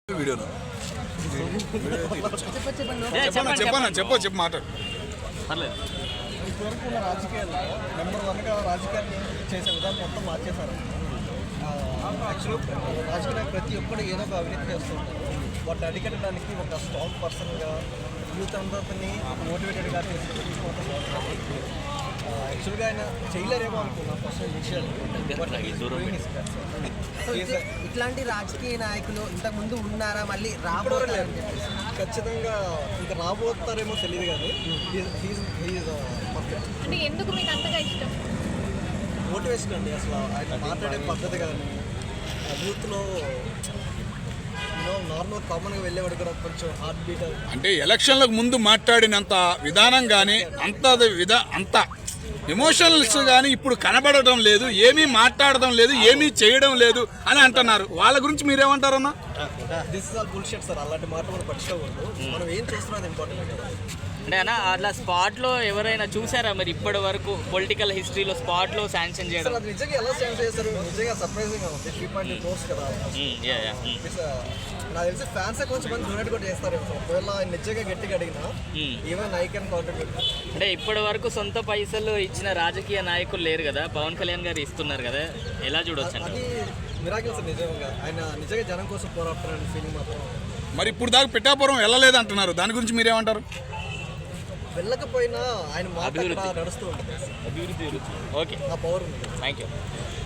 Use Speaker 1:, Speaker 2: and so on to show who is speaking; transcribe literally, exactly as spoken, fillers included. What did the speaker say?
Speaker 1: వీడియోను చెప్పన్నా చెప్పు చెప్పు మాట్లాడు.
Speaker 2: పర్లేదు.
Speaker 3: ఇప్పటివరకు ఉన్న రాజకీయాల్లో నెంబర్ వన్గా రాజకీయాలు చేసే విధానం మొత్తం మార్చేశారు. యాక్చువల్గా రాజకీయ ప్రతి ఒక్కరు ఏదో ఒక అవినీతి చేస్తుంటారు. వాటిని అడిగట్టడానికి ఒక స్ట్రాంగ్ పర్సన్గా యూత్ అందరినీ మోటివేటెడ్గా తీసుకుంటే యాక్చువల్గా ఆయన చేయలేరేమో అనుకున్నా ఫస్ట్ విషయాలు.
Speaker 4: ఇట్లాంటి రాజకీయ నాయకులు ఇంతకు ముందు ఉన్నారా, మళ్ళీ రాబోతారు?
Speaker 3: ఖచ్చితంగా ఇంకా రాబోతారేమో తెలియదు కానీ
Speaker 5: అంటే ఎందుకు మీకు అంతగా ఇష్టం?
Speaker 3: మోటివేషన్ అండి. అసలు ఆయన మాట్లాడే పద్ధతి కానీ యూత్లో నార్మల్ కామన్గా వెళ్ళేవాడు కూడా కొంచెం హార్ట్ బీట్
Speaker 1: అంటే ఎలక్షన్లకు ముందు మాట్లాడినంత విధానం కానీ అంత విధా అంత ఎమోషనల్స్ కానీ ఇప్పుడు కనబడడం లేదు, ఏమీ మాట్లాడడం లేదు, ఏమీ చేయడం లేదు అని అంటున్నారు. వాళ్ళ గురించి మీరేమంటారన్నా?
Speaker 3: This is all bullshit sir. అలాంటి మాట మనం పట్టించుకోకూడదు. మనం ఏం చేస్తున్నాం ఇంపార్టెంట్ కదా.
Speaker 2: అంటే అన్న అట్లా స్పాట్లో ఎవరైనా చూసారా మరి ఇప్పటి వరకు పొలిటికల్ హిస్టరీలో స్పాట్లో శాంక్షన్ చేయడం?
Speaker 3: అది నిజంగా ఎలా శాంక్షన్ చేస్తారు? నిజంగా సర్ప్రైజింగ్ ఉంది. త్రీ పాయింట్ కోర్స్ కదా. నాకు తెలిసి ఫ్యాన్స్ కొంచెం మంది డొనేట్ కూడా చేస్తారు. ఒకవేళ నిజంగా గట్టిగా అడిగినా ఈవెన్ ఐ కెన్ కాంట్రిబ్యూట్.
Speaker 2: అంటే ఇప్పటి వరకు సొంత పైసలు ఇచ్చిన రాజకీయ నాయకులు లేరు కదా, పవన్ కళ్యాణ్ గారు ఇస్తున్నారు కదా, ఎలా చూడొచ్చు?
Speaker 3: అది మిరాకిల్స్ నిజంగా. ఆయన నిజంగా జనం కోసం పోరాడుతున్నారని ఫీలింగ్ మాత్రం.
Speaker 1: మరి ఇప్పుడు దాకా పిఠాపురం వెళ్ళలేదు అంటున్నారు, దాని గురించి మీరేమంటారు?
Speaker 3: వెళ్ళకపోయినా ఆయన మాట నడుస్తూ ఉంటుంది.
Speaker 2: అభివృద్ధి. ఓకే,
Speaker 3: ఆ పవర్ ఉంది.
Speaker 2: Thank you.